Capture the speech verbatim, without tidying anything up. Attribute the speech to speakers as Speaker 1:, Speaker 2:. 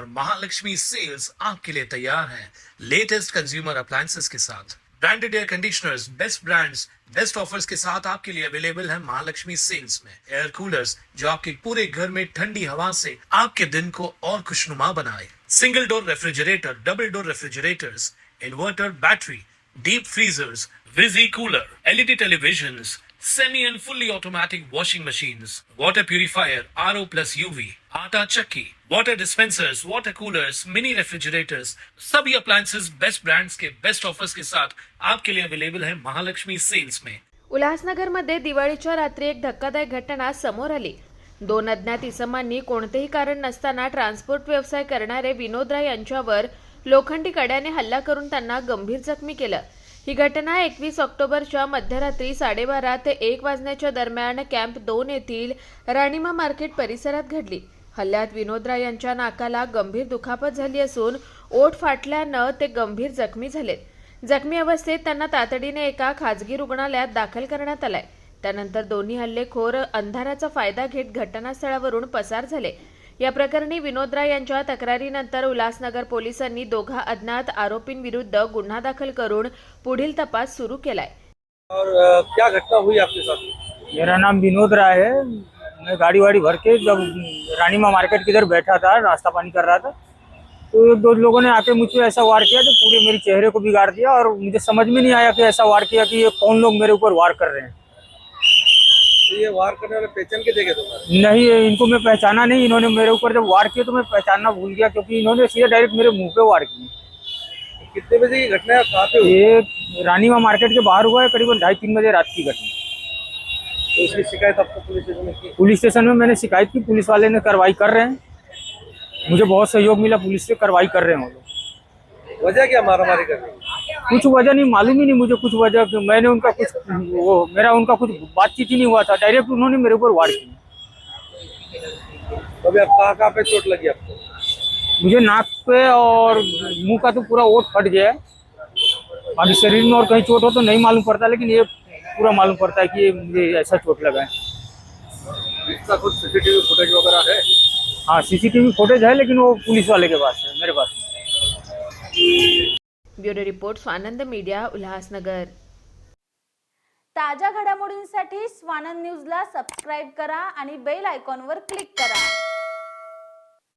Speaker 1: और महालक्ष्मी सेल्स आपके लिए तैयार है लेटेस्ट कंज्यूमर अप्लायंसेस के साथ। Branded air conditioners, best brands, best offers के साथ आपके लिए अवेलेबल है महालक्ष्मी सेल्स में। एयर कूलर्स जो आपके पूरे घर में ठंडी हवा से आपके दिन को और खुशनुमा बनाए। Single door refrigerator, double door refrigerators, inverter battery, deep freezers, विजी cooler, LED televisions, semi and fully automatic washing machines, water purifier, RO plus UV, आटा चक्की, water dispensers, water coolers, mini refrigerators, सभी अप्लायंसेस बेस्ट ब्रांड्स के best offers के साथ आपके लिए available है महालक्ष्मी सेल्स में।
Speaker 2: उल्हासनगरमध्ये दिवाळीच्या रात्री एक धक्कादायक घटना समोर आली। दोन अज्ञात इसमांनी कोणतेही कारण नसताना ट्रान्सपोर्ट व्यवसाय करणारे विनोद राय यांच्यावर लोखंडी कड्याने हल्ला करून त्यांना गंभीर जखमी केलं। ही घटना एकवीस ऑक्टोबरच्या मध्यरात्री साडेबारा ते एक वाजण्याच्या दरम्यान कॅम्प दोन येथील राणीमा मार्केट परिसरात घडली। हल्ल्यात विनोद राय यांच्या नाकाला गंभीर दुखापत झाली असून ओठ फाटल्यानं ते गंभीर जखमी झालेत। जखमी अवस्थेत त्यांना तातडीने एका खाजगी रुग्णालयात दाखल करण्यात आलाय। त्यानंतर दोन्ही हल्लेखोर अंधाराचा फायदा घेत घटनास्थळावरून पसार झाले। या प्रकरणी विनोद राय यांच्या तक्रारीनंतर उल्हासनगर पोलिसांनी दोघा अज्ञात आरोपींविरुद्ध गुन्हा दाखल करून पुढील तपास सुरू केलाय।
Speaker 3: और अ, क्या घटना हुई आपके साथ?
Speaker 4: मेरा नाम विनोद राय है। मैं गाड़ी वाड़ी भर के जब रानीमा मार्केट की इधर बैठा था, नाश्ता पानी कर रहा था, तो दो लोगों ने आके मुझ पे ऐसा वार किया जो पूरे मेरे चेहरे को बिगाड़ दिया और मुझे समझ में नहीं आया कि ऐसा वार किया कि ये कौन लोग मेरे ऊपर वार कर रहे हैं।
Speaker 3: तो ये वार करने वाले पहचान के देखे तुम्हारे?
Speaker 4: नहीं, इनको मैं पहचाना नहीं। इन्होंने मेरे ऊपर जब वार किया तो मैं पहचानना भूल गया क्योंकि इन्होंने सीधे डायरेक्ट मेरे मुंह पे वार किए।
Speaker 3: कितने बजे की घटना है, कहाँ पे हुई?
Speaker 4: ये रानीमा मार्केट के बाहर हुआ है, करीबन ढाई तीन बजे रात की घटना।
Speaker 3: तो इसकी शिकायत आपको पुलिस स्टेशन में की?
Speaker 4: पुलिस स्टेशन में मैंने शिकायत की, पुलिस वाले ने कार्रवाई कर रहे हैं। मुझे बहुत सहयोग मिला, पुलिस से कार्रवाई कर रहे हैं वो लोग।
Speaker 3: वजह क्या मारामारी करने की?
Speaker 4: कुछ वजह नहीं मालूम ही नहीं मुझे, कुछ वजह कि मैंने उनका कुछ वो मेरा उनका कुछ बातचीत ही नहीं हुआ था, डायरेक्ट उन्होंने मेरे ऊपर वार किया।
Speaker 3: तो अभी आप कहाँ कहाँ पे चोट लगी आपको?
Speaker 4: मुझे नाक पे और मुंह का तो पूरा ओठ फट गया है। अभी शरीर में और कहीं चोट हो तो नहीं मालूम पड़ता, लेकिन ये पूरा मालूम पड़ता है कि ये मुझे ऐसा चोट लगा है।
Speaker 3: इसका कुछ सीसीटीवी फुटेज वगैरह है?
Speaker 4: हाँ, सीसीटीवी फुटेज है, लेकिन वो पुलिस वाले के पास है, मेरे पास।
Speaker 2: Bureau report Swanand media, Ulhasnagar.
Speaker 5: ताज्या घडामोडींसाठी स्वानंद न्यूजला सबस्क्राईब करा आणि बेल आयकॉनवर क्लिक करा।